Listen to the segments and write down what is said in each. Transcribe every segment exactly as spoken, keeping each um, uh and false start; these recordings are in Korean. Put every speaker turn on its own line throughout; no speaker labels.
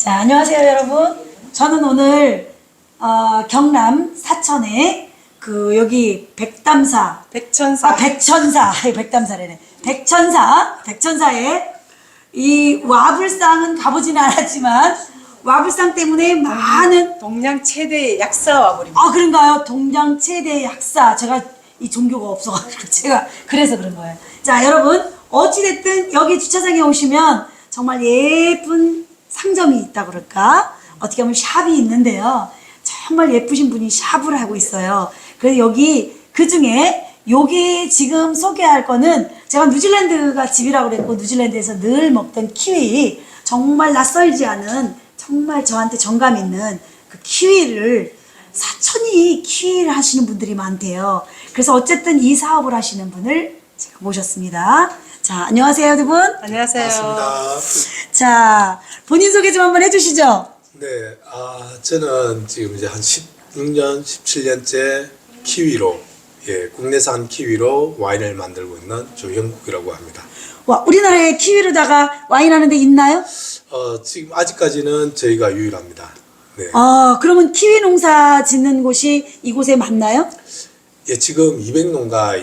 자, 안녕하세요, 여러분. 저는 오늘 어, 경남 사천에 그 여기 백담사,
백천사.
아 백천사, 백담사래네. 백천사, 백천사에 이 와불상은 가보지는 않았지만 와불상 때문에 많은
동양 최대 약사 와버립니다.
아 그런가요? 동양 최대 약사. 제가 이 종교가 없어가지고 제가 그래서 그런 거예요. 자, 여러분 어찌됐든 여기 주차장에 오시면 정말 예쁜 상점이 있다 그럴까? 어떻게 보면 샵이 있는데요. 정말 예쁘신 분이 샵을 하고 있어요. 그래서 여기 그 중에 요게 지금 소개할 거는 제가 뉴질랜드가 집이라고 그랬고 뉴질랜드에서 늘 먹던 키위, 정말 낯설지 않은 정말 저한테 정감 있는 그 키위를 사천이 키위를 하시는 분들이 많대요. 그래서 어쨌든 이 사업을 하시는 분을 제가 모셨습니다. 자, 안녕하세요, 두 분.
안녕하세요.
반갑습니다.
자, 본인 소개 좀 한번 해주시죠.
네, 아, 저는 지금 이제 한 십육 년, 십칠 년째 키위로, 예, 국내산 키위로 와인을 만들고 있는 조형국이라고 합니다.
와, 우리나라에 키위로다가 와인 하는 데 있나요?
어, 지금 아직까지는 저희가 유일합니다. 네.
아, 그러면 키위 농사 짓는 곳이 이곳에 맞나요?
예, 지금 이백 농가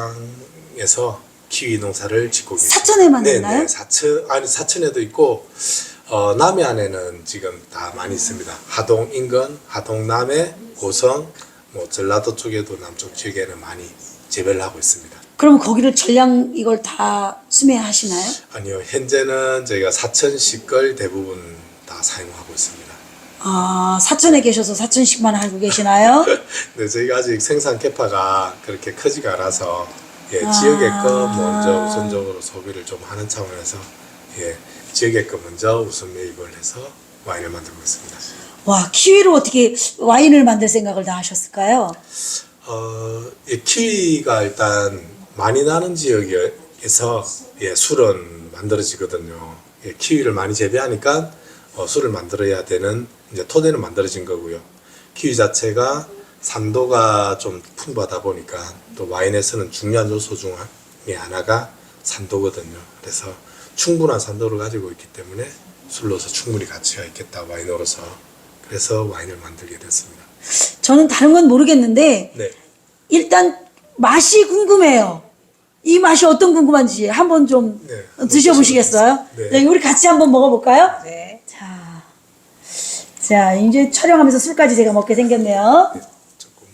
이상에서 키위 농사를 짓고 계십니다.
사천에만
네,
있나요?
네, 사천, 아니, 사천에도 있고, 어, 남해안에는 지금 다 많이 있습니다. 하동 인근, 하동 남해, 고성, 뭐 전라도 쪽에도 남쪽 지역에는 많이 재배를 하고 있습니다.
그러면 거기를 전량 이걸 다 수매하시나요?
아니요, 현재는 저희가 사천시 걸 대부분 다 사용하고 있습니다.
아, 사천에 계셔서 사천씩만 알고 계시나요?
네, 저희가 아직 생산 캐파가 그렇게 크지가 않아서 예,
아.
지역의 거 먼저 우선적으로 소비를 좀 하는 차원에서 예, 지역의 거 먼저 우선 매입을 해서 와인을 만들고 있습니다.
와, 키위로 어떻게 와인을 만들 생각을 다 하셨을까요?
어, 예, 키위가 일단 많이 나는 지역에서 예, 술은 만들어지거든요. 예, 키위를 많이 재배하니까 어, 술을 만들어야 되는 이제 토대는 만들어진 거고요. 키위 자체가 산도가 좀 풍부하다 보니까 또 와인에서는 중요한 요소 중 하나가 산도거든요. 그래서 충분한 산도를 가지고 있기 때문에 술로서 충분히 가치가 있겠다, 와인으로서. 그래서 와인을 만들게 됐습니다.
저는 다른 건 모르겠는데
네.
일단 맛이 궁금해요. 이 맛이 어떤 궁금한지 한번 좀
네.
드셔보시겠어요?
네.
네, 우리 같이 한번 먹어볼까요?
네.
자, 자 이제 촬영하면서 술까지 제가 먹게 생겼네요.
조금만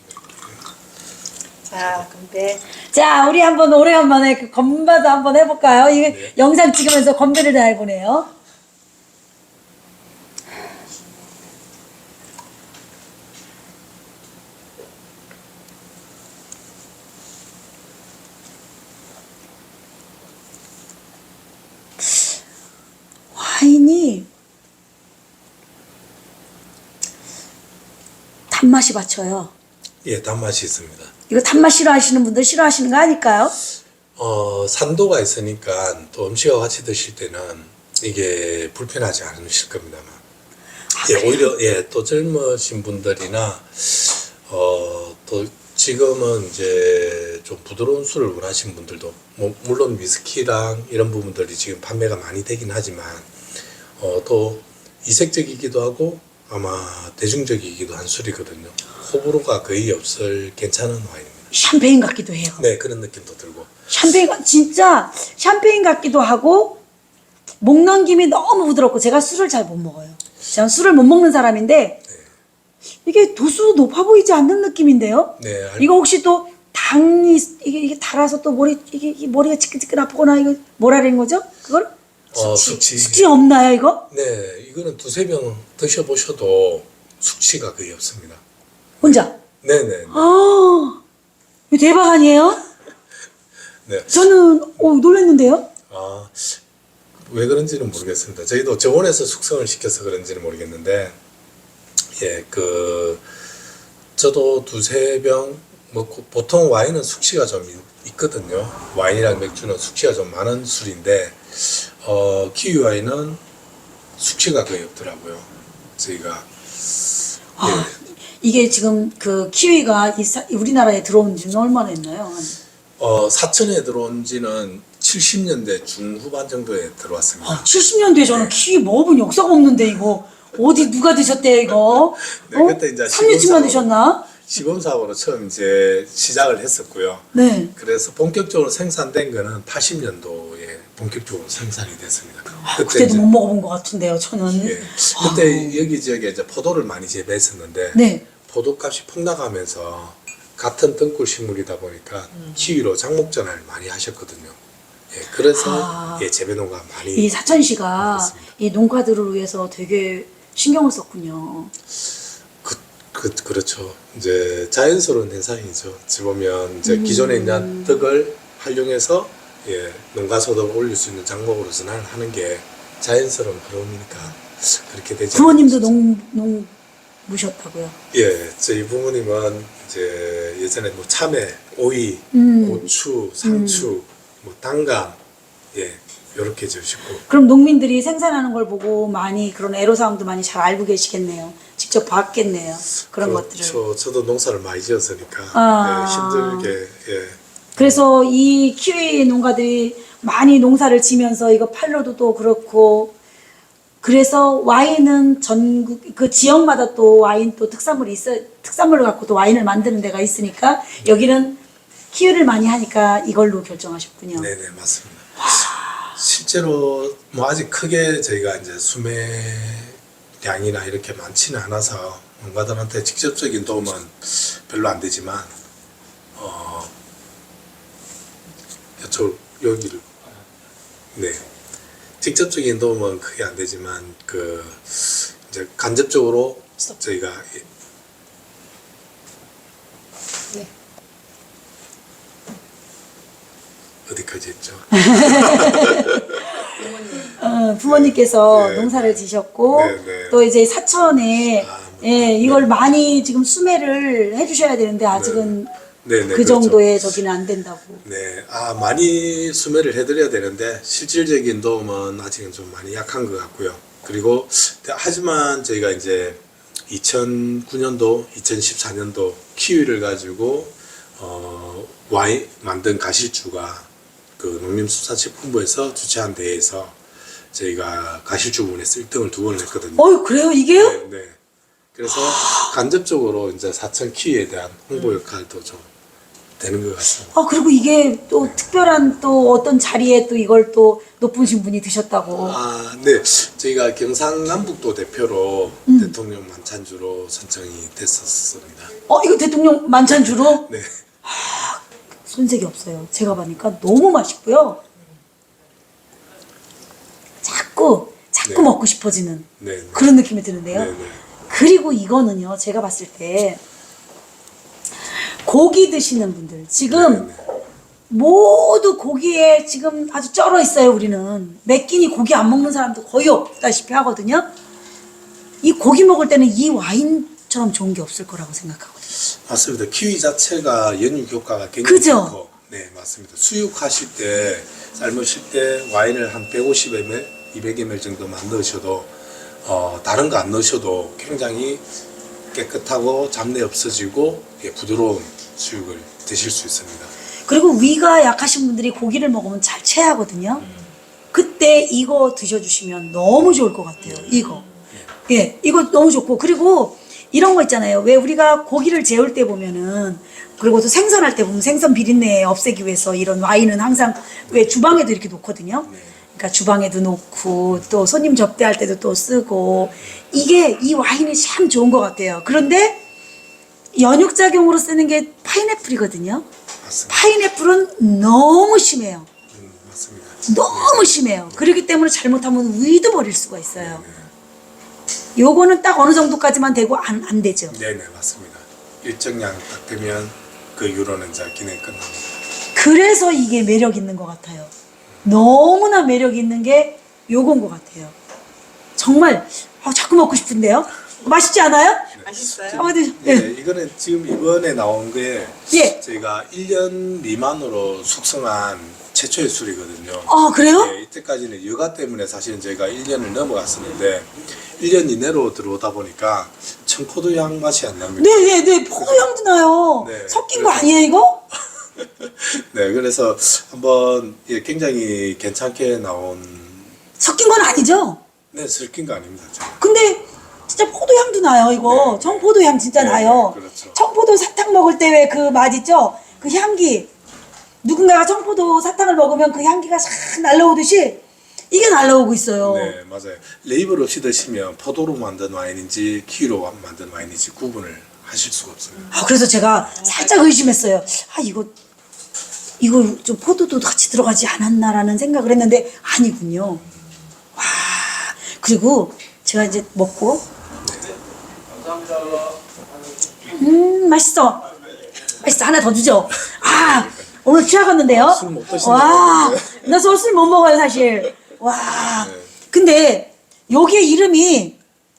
자, 건배.
자, 우리 한번 오래간만에 그 건배도 한번 해볼까요? 이게
네.
영상 찍으면서 건배를 다 해보네요. 와인이 단맛이 받쳐요.
예, 단맛이 있습니다.
이거 단맛 싫어하시는 분들 싫어하시는 거 아닐까요?
어, 산도가 있으니까 또 음식과 같이 드실 때는 이게 불편하지 않으실 겁니다만. 예, 오히려, 예, 또 젊으신 분들이나, 어, 또 지금은 이제 좀 부드러운 술을 원하시는 분들도, 뭐, 물론 위스키랑 이런 부분들이 지금 판매가 많이 되긴 하지만, 어, 또 이색적이기도 하고 아마 대중적이기도 한 술이거든요. 호불호가 거의 없을 괜찮은 와인입니다.
샴페인 같기도 해요.
네, 그런 느낌도 들고.
샴페인, 같- 진짜 샴페인 같기도 하고, 목 넘김이 너무 부드럽고, 제가 술을 잘 못 먹어요. 저는 술을 못 먹는 사람인데, 이게 도수도 높아 보이지 않는 느낌인데요?
네, 알-
이거 혹시 또 당이, 이게, 이게 달아서 또 머리, 이게, 이게 머리가 지끈지끈 아프거나, 이거 뭐라는 거죠? 그걸?
어,
숙취.
숙취.
숙취 없나요, 이거?
네, 이거는 두세 병 드셔보셔도 숙취가 거의 없습니다.
혼자?
네네.
아, 이거 대박 아니에요?
네.
저는, 오, 놀랐는데요?
아, 왜 그런지는 모르겠습니다. 저희도 저온에서 숙성을 시켜서 그런지는 모르겠는데, 예, 그, 저도 두세 병 먹고, 보통 와인은 숙취가 좀 있- 있거든요. 와인이랑 맥주는 숙취가 좀 많은 술인데, 어, 키위 와인은 숙취가 거의 없더라고요. 저희가.
아, 이게 지금 그 키위가 이 사- 우리나라에 들어온 지는 얼마나 했나요? 한
어, 사천에 들어온 지는 칠십 년대 중후반 정도에 들어왔습니다.
아, 칠십 년도에 저는 키위 먹어본 역사가 없는데 이거 어디 누가 드셨대 이거?
네, 그때 이제
삼류치만
시범사업-
드셨나?
시범사업으로 처음 이제 시작을 했었고요.
네.
그래서 본격적으로 생산된 거는 팔십 년도에 본격적으로 생산이 됐습니다.
아, 그때도 못 먹어본 것 같은데요, 저는.
예, 그때 여기 지역에 이제 포도를 많이 재배했었는데
네.
포도값이 폭락하면서 같은 등굴 식물이다 보니까 키위로 장목전을 많이 하셨거든요. 예, 그래서
아.
예, 재배농가 많이
이 사천시가
그렇습니다.
이 농가들을 위해서 되게 신경을 썼군요.
그, 그, 그렇죠. 이제 자연스러운 현상이죠. 어찌 보면 이제 기존에 있는 덕을 활용해서 예, 농가 소득을 올릴 수 있는 작목으로서는 하는 게 자연스러운 흐름이니까 그렇게 되지
부모님도
않을까
농, 농무셨다고요?
예, 저희 부모님은 이제 예전에 뭐 참외, 오이,
음.
고추, 상추, 뭐 당감, 예, 요렇게 지으시고.
그럼 농민들이 생산하는 걸 보고 많이 그런 애로사항도 많이 잘 알고 계시겠네요. 직접 봤겠네요. 그런 것들을.
그렇죠. 저도 농사를 많이 지었으니까
아.
예, 힘들게 예.
그래서 이 키위 농가들이 많이 농사를 지면서 이거 팔로도 또 그렇고 그래서 와인은 전국 그 지역마다 또 와인 또 특산물이 있어 특산물을 갖고 또 와인을 만드는 데가 있으니까 여기는 키위를 많이 하니까 이걸로 결정하셨군요.
네네 맞습니다. 실제로 뭐 아직 크게 저희가 이제 수매량이나 이렇게 많지는 않아서 농가들한테 직접적인 도움은 별로 안 되지만 어 이쪽 여기를 네 직접적인 도움은 크게 안 되지만 그 이제 간접적으로 저희가
네.
어디까지 했죠?
어, 부모님께서
네.
농사를 지셨고
네, 네.
또 이제 사천에
아,
예, 이걸 많이 지금 수매를 해주셔야 되는데 아직은
네, 네,
그
그렇죠.
정도의 저기는 안 된다고.
네, 아 많이 수매를 해드려야 되는데 실질적인 도움은 아직은 좀 많이 약한 것 같고요. 그리고 하지만 저희가 이제 이천구 년도, 이천십사 년도 키위를 가지고 어, 와인 만든 가실주가 그 농림수산식품부에서 주최한 대회에서 저희가 가실주 부분에서 일 등을 두 번을 했거든요.
어유 그래요 이게요?
네, 네. 그래서 간접적으로 이제 사천 키위에 대한 홍보 역할도 좀 되는 것 같습니다.
아 그리고 이게 또 특별한 또 어떤 자리에 또 이걸 또 높으신 분이 드셨다고.
아, 네. 저희가 경상남북도 대표로
음.
대통령 만찬주로 선정이 됐었습니다.
어 이거 대통령 만찬주로
네.
손색이 없어요. 제가 보니까 너무 맛있고요. 자꾸 자꾸
네.
먹고 싶어지는
네. 네.
그런 느낌이 드는데요.
네, 네.
그리고 이거는요, 제가 봤을 때 고기 드시는 분들 지금
네, 네.
모두 고기에 지금 아주 쩔어 있어요. 우리는 매 끼니 고기 안 먹는 사람도 거의 없다시피 하거든요. 이 고기 먹을 때는 이 와인처럼 좋은 게 없을 거라고 생각하거든요.
맞습니다. 키위 자체가 연육 효과가 굉장히
그죠?
좋고, 네, 맞습니다. 수육하실 때, 삶으실 때 와인을 한 백오십 밀리리터, 이백 밀리리터 정도만 넣으셔도, 어, 다른 거 안 넣으셔도 굉장히 깨끗하고 잡내 없어지고 예, 부드러운 수육을 드실 수 있습니다.
그리고 위가 약하신 분들이 고기를 먹으면 잘 체하거든요. 그때 이거 드셔주시면 너무 좋을 것 같아요. 이거. 예, 이거 너무 좋고. 그리고 이런 거 있잖아요. 왜 우리가 고기를 재울 때 보면은, 그리고 또 생선할 때 보면 생선 비린내 없애기 위해서 이런 와인은 항상 왜 주방에도 이렇게 놓거든요. 그러니까 주방에도 놓고 또 손님 접대할 때도 또 쓰고 이게 이 와인이 참 좋은 것 같아요. 그런데 연육작용으로 쓰는 게 파인애플이거든요.
맞습니다.
파인애플은 너무 심해요.
음, 맞습니다.
너무 심해요. 그렇기 때문에 잘못하면 위도 버릴 수가 있어요. 요거는 딱 어느 정도까지만 되고 안, 안 되죠.
네네, 맞습니다. 일정량 딱 되면 그 유로는 이제 기능이 끝납니다.
그래서 이게 매력 있는 것 같아요. 너무나 매력 있는 게 요건 것 같아요. 정말 아, 자꾸 먹고 싶은데요. 맛있지 않아요?
맛있어요?
어, 네.
네,
예.
이거는 지금 이번에 나온 게
예.
저희가 일 년 미만으로 숙성한 최초의 술이거든요.
아 그래요?
네, 이때까지는 여가 때문에 사실은 저희가 일 년을 넘어갔었는데 일 년 이내로 들어오다 보니까 청포도 향 맛이 안 납니다.
네네네. 포도 향도 나요.
네,
섞인 거
그래서-
아니에요 이거?
네, 그래서 한번 예, 굉장히 괜찮게 나온
섞인 건 아니죠?
네, 슬킨 거 아닙니다. 저는.
근데 진짜 포도향도 나요, 이거.
네.
청포도향 진짜
네,
나요.
그렇죠.
청포도 사탕 먹을 때 왜 그 맛 있죠? 그 향기. 누군가가 청포도 사탕을 먹으면 그 향기가 싹 날라오듯이 이게 날라오고 있어요.
네, 맞아요. 레이블 없이 드시면 포도로 만든 와인인지 키위로 만든 와인인지 구분을 하실 수가 없어요.
아, 그래서 제가 살짝 의심했어요. 아, 이거, 이거 좀 포도도 같이 들어가지 않았나라는 생각을 했는데 아니군요. 와, 그리고 제가 이제 먹고, 음, 맛있어. 맛있어. 하나 더 주죠. 아, 오늘 취하겠는데요?
술못 드신다고
와,
하는데.
나 술 못 먹어요, 사실. 와,
네.
근데 여기에 이름이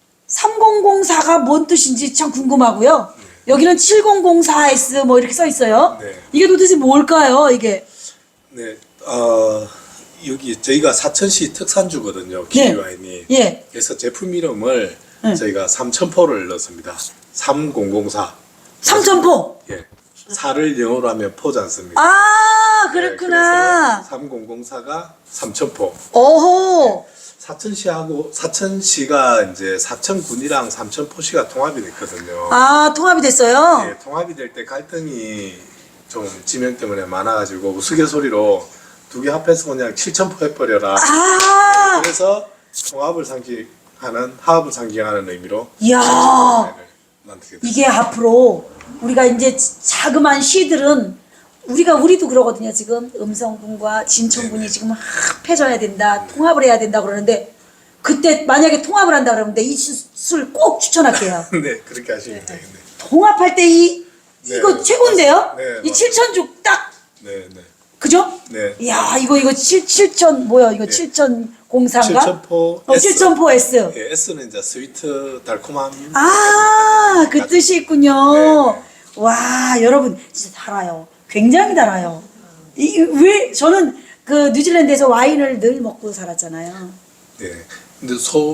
삼공공사가 뭔 뜻인지 참 궁금하고요. 여기는 칠공공사 에스 뭐 이렇게 써 있어요.
네.
이게 도대체 뭘까요, 이게?
네, 어, 여기 저희가 사천시 특산주거든요. 키위 와인이.
예.
그래서 제품 이름을
네.
저희가 삼천포를 넣습니다. 삼공공사.
삼천포.
예. 사를 영어로 하면 포지 않습니다.
아, 그렇구나.
삼공공사가 삼천포.
어호.
사천시하고 사천시가 이제 사천군이랑 삼천포시가 통합이 됐거든요.
아, 통합이 됐어요?
예, 통합이 될 때 갈등이 좀 지명 때문에 많아가지고 우스갯소리로 두 개 합해서 그냥 칠천포 해버려라.
아,
그래서 통합을 상징하는 하합을 상징하는 의미로
이야.
칠천포를 만들게 됐어요.
이게 앞으로 우리가 이제 자그마한 시들은 우리가 우리도 그러거든요. 지금 음성군과 진천군이 지금 합해져야 된다, 통합을 해야 된다 그러는데 그때 만약에 통합을 한다 그러면 이 술 꼭 추천할게요.
네, 그렇게 하시면 되겠네.
통합할 때 이
네,
이거 최고인데요?
네,
이
맞아요.
칠천죽 딱
네, 네.
그죠?
네.
이야 이거 이거 칠 칠천 뭐야 이거 칠천공사인가?
칠천포
어
S.
칠천포 S.
예, S는 이제 스위트 달콤함.
아, 그 뜻이 있군요.
네, 네.
와, 여러분, 진짜 달아요. 굉장히 달아요. 이, 왜, 저는 그 뉴질랜드에서 와인을 늘 먹고 살았잖아요.
네. 근데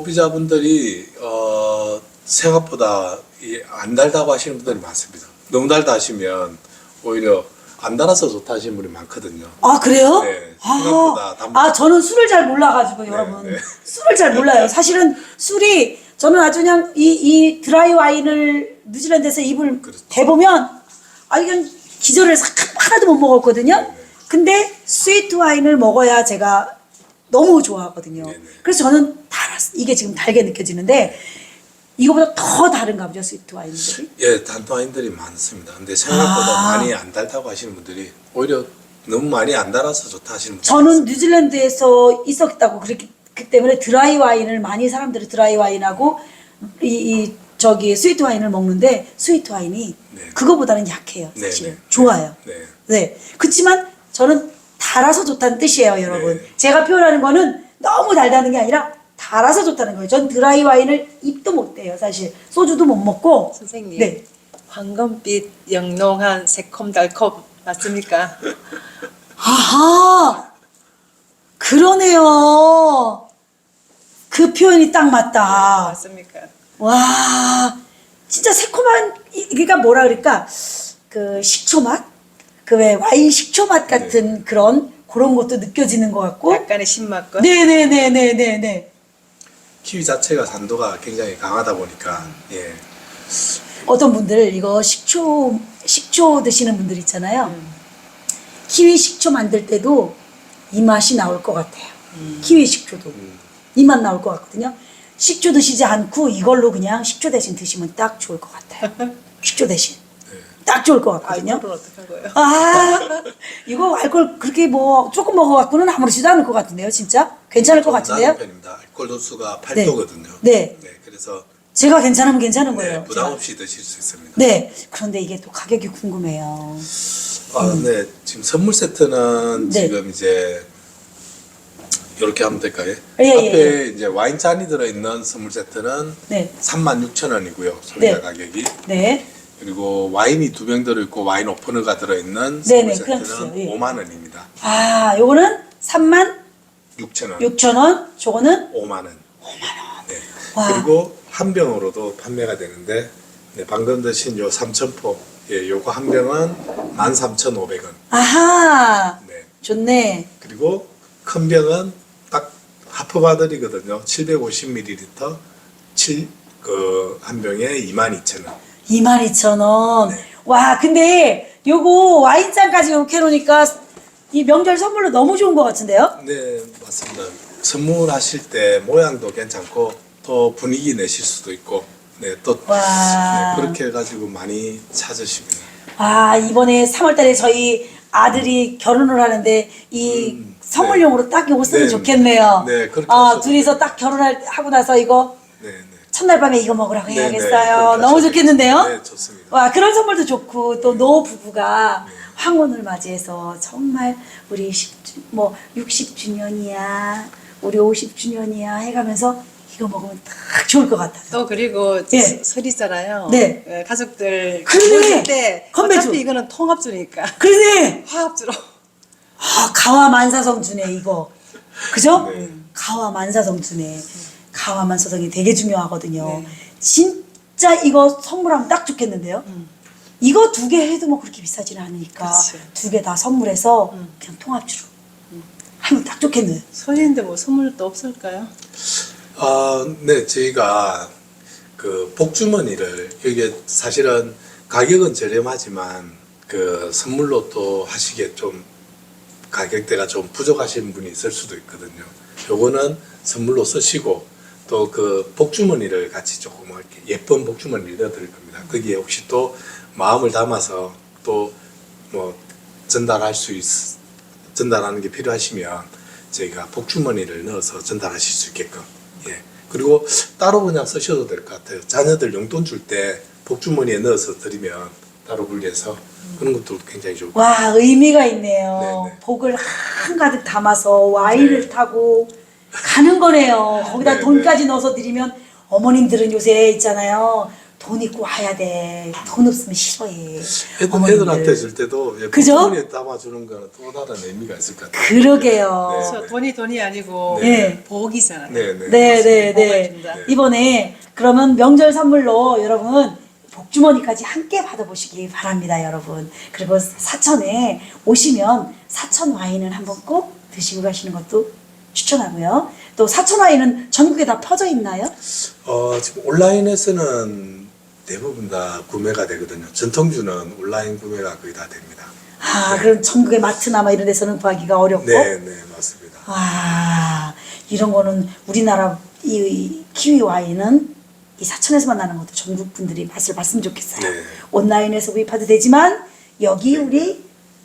소비자분들이 어, 생각보다 이 안 달다고 하시는 분들이 많습니다. 너무 달다 하시면 오히려 안 달아서 좋다 하시는 분이 많거든요.
아, 그래요?
네,
아,
생각보다 단맛-
아, 저는 술을 잘 몰라가지고, 여러분.
네.
술을 잘 몰라요. 사실은 술이, 저는 아주 그냥 이, 이 드라이 와인을 뉴질랜드에서 입을
그렇죠.
대보면, 아, 그냥 기절을 싹 하나도 못 먹었거든요.
네네.
근데 스위트 와인을 먹어야 제가 너무 좋아하거든요.
네네.
그래서 저는 달았, 이게 지금 달게 느껴지는데, 이거보다 더 다른가 보죠, 스위트 와인들이?
예, 단와인들이 많습니다. 근데 생각보다
아.
많이 안 달다고 하시는 분들이 오히려 너무 많이 안 달아서 좋다 하시는 분들이
저는 뉴질랜드에서 있었다고 그렇기 그 때문에 드라이 와인을 많이 사람들이 드라이 와인하고 이, 이 저기 스위트 와인을 먹는데 스위트 와인이
네.
그거보다는 약해요,
네,
사실은.
네.
좋아요.
네.
네. 그렇지만 저는 달아서 좋다는 뜻이에요, 여러분.
네.
제가 표현하는 거는 너무 달다는 게 아니라 달아서 좋다는 거예요. 전 드라이 와인을 입도 못 대요, 사실. 소주도 못 먹고.
선생님.
네.
황금빛 영롱한 새콤달콤 맞습니까?
아하! 그러네요. 그 표현이 딱 맞다.
맞습니까?
와, 진짜 새콤한, 이- 그러니까 뭐라 그럴까, 그 식초 맛? 그 왜 와인 식초 맛 같은 그런, 그런 것도 느껴지는 것 같고.
약간의 신맛과
네네네네네네.
키위 자체가 산도가 굉장히 강하다 보니까 예.
어떤 분들 이거 식초, 식초 드시는 분들 있잖아요.
음.
키위 식초 만들 때도 이 맛이 나올 것 같아요.
음.
키위 식초도.
음.
이 맛 나올 것 같거든요. 식초 드시지 않고 이걸로 그냥 식초 대신 드시면 딱 좋을 것 같아요. 식초 대신. 딱 좋을 것 같거든요.
알코올은 어떡한 거예요?
아, 이거 알코올 그렇게 뭐 조금 먹어갖고는 아무렇지도 않을 것 같은데요, 진짜? 괜찮을 것
좀
같은데요?
낮은 편입니다. 알코올 도수가 팔 도거든요.
네.
네, 그래서
제가 괜찮으면 괜찮은 거예요.
네, 부담
제가.
없이 드실 수 있습니다.
네. 그런데 이게 또 가격이 궁금해요.
아, 네. 지금 선물 세트는
네.
지금 이제 이렇게 하면 될까요?
예, 예,
앞에 이제 와인 잔이 들어있는 선물 세트는
네.
삼만 육천 원이고요. 소비자
네.
가격이.
네.
그리고 와인이 두 병 들어있고 와인 오퍼너가 들어있는
네네,
선물
그냥
세트는
주세요. 예.
오만 원입니다.
아, 요거는 삼만
육천 원.
육천 원, 저거는
오만 원. 오만 원. 네.
와.
그리고 한 병으로도 판매가 되는데 네, 방금 드신 요 삼천포, 예, 요거 한 병은 만 삼천오백 원.
아하,
네.
좋네.
그리고 큰 병은 딱 하프바들이거든요. 칠백오십 밀리리터, 칠, 그, 한 병에 이만 이천 원.
이만 이천 원.
네.
와, 근데 요거 와인잔까지 이렇게 해놓으니까 이 명절 선물로 너무 좋은 것 같은데요?
네, 맞습니다. 선물하실 때 모양도 괜찮고, 또 분위기 내실 수도 있고, 네, 또,
와.
네, 그렇게 해가지고 많이 찾으십니다.
아, 이번에 삼월 달에 저희 아들이 결혼을 하는데 이
음,
선물용으로 딱 이거 쓰면
네,
좋겠네요.
네, 그렇게
아,
하셔도
둘이서 딱 결혼을 하고 나서 이거
네, 네.
첫날 밤에 이거 먹으라고
네,
해야겠어요.
네, 그렇게
너무
하셔도
좋겠는데요?
네, 좋습니다.
와, 그런 선물도 좋고 또 노 부부가 황혼을 맞이해서 정말 우리 십 주, 뭐 육십 주년이야, 우리 오십 주년이야 해가면서 이거 먹으면 딱 좋을 것 같아요.
또 그리고
예.
설- 설이잖아요.
네.
예, 가족들
그러네.
모일 때
건배주.
어차피 이거는 통합주니까
그러네.
화합주로.
아, 가와 만사성주네 이거. 그죠?
네.
가와 만사성주네. 가와 만사성이 되게 중요하거든요.
네.
진짜 이거 선물하면 딱 좋겠는데요.
음.
이거 두 개 해도 뭐 그렇게 비싸지는 않으니까
그치.
두 개 다 선물해서
음.
그냥 통합주로 하면 딱 좋겠네요.
설인데 뭐 선물 또 없을까요?
아, 네, 저희가 그 복주머니를 이게 사실은 가격은 저렴하지만 그 선물로 또 하시기에 좀 가격대가 좀 부족하신 분이 있을 수도 있거든요. 요거는 선물로 쓰시고 또 그 복주머니를 같이 조금 이렇게 예쁜 복주머니를 넣어드릴 겁니다. 거기에 혹시 또 마음을 담아서 또 뭐 전달할 수 있, 전달하는 게 필요하시면 저희가 복주머니를 넣어서 전달하실 수 있게끔. 예. 그리고 따로 그냥 쓰셔도 될 것 같아요. 자녀들 용돈 줄 때 복주머니에 넣어서 드리면 따로 분리해서 그런 것도 굉장히 좋고.
와, 의미가 있네요.
네, 네.
복을 한가득 담아서 와인을
네.
타고 가는 거네요. 거기다
네,
돈까지 넣어서 드리면 어머님들은 요새 있잖아요. 돈 있고 와야 돼. 돈 없으면 싫어해.
애들,
어머님들.
애들한테 줄 때도 예,
그죠?
복주머니에 담아주는 거는 또 다른 의미가 있을 것 같아요.
그러게요.
네.
그래서 돈이 돈이 아니고
네.
복이잖아요.
네, 네.
네, 네,
복을
네.
준다.
이번에 그러면 명절 선물로 여러분 복주머니까지 함께 받아보시기 바랍니다, 여러분. 그리고 사천에 오시면 사천 와인을 한번 꼭 드시고 가시는 것도 추천하고요. 또 사천 와인은 전국에 다 퍼져 있나요?
어, 지금 온라인에서는 대부분 다 구매가 되거든요. 전통주는 온라인 구매가 거의 다 됩니다.
아,
네.
그럼 전국의 마트나 뭐 이런 데서는 구하기가 어렵고.
네, 네, 맞습니다.
와, 이런 거는 우리나라 이, 이 키위 와인은 이 사천에서만 나는 것도 전국 분들이 맛을 봤으면 좋겠어요.
네.
온라인에서 구입해도 되지만 여기 우리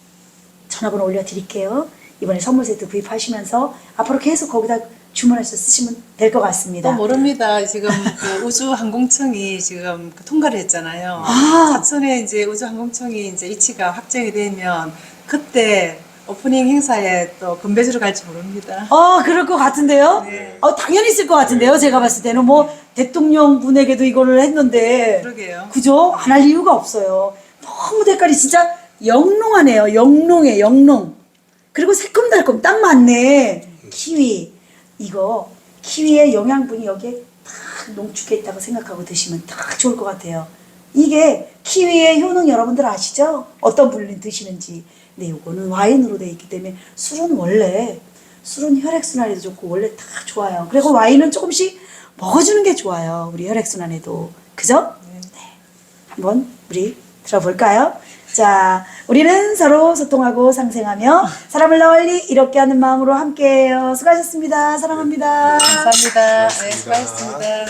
전화번호 올려드릴게요. 이번에 선물 세트 구입하시면서 앞으로 계속 거기다 주문해서 쓰시면 될 것 같습니다.
또 모릅니다. 지금 그 우주항공청이 지금 그 통과를 했잖아요.
아.
사천에 이제 우주항공청이 이제 위치가 확정이 되면 그때 오프닝 행사에 또 건배주로 갈지 모릅니다.
어, 그럴 것 같은데요?
네.
어, 당연히 있을 것 같은데요? 제가 봤을 때는 뭐 대통령 분에게도 이거를 했는데.
그러게요.
그죠? 안 할 이유가 없어요. 너무 색깔이 진짜 영롱하네요. 영롱해, 영롱. 그리고 새콤달콤 딱 맞네. 키위. 이거 키위의 영양분이 여기에 딱 농축해 있다고 생각하고 드시면 딱 좋을 것 같아요. 이게 키위의 효능 여러분들 아시죠? 어떤 분이 드시는지. 근데 이거는 와인으로 되어 있기 때문에 술은 원래 술은 혈액순환에도 좋고 원래 다 좋아요. 그리고 와인은 조금씩 먹어주는 게 좋아요. 우리 혈액순환에도. 그죠? 네. 한번 우리 들어볼까요? 자, 우리는 서로 소통하고 상생하며 사람을 널리 이롭게 하는 마음으로 함께해요. 수고하셨습니다. 사랑합니다.
감사합니다. 네,
고맙습니다.
수고하셨습니다.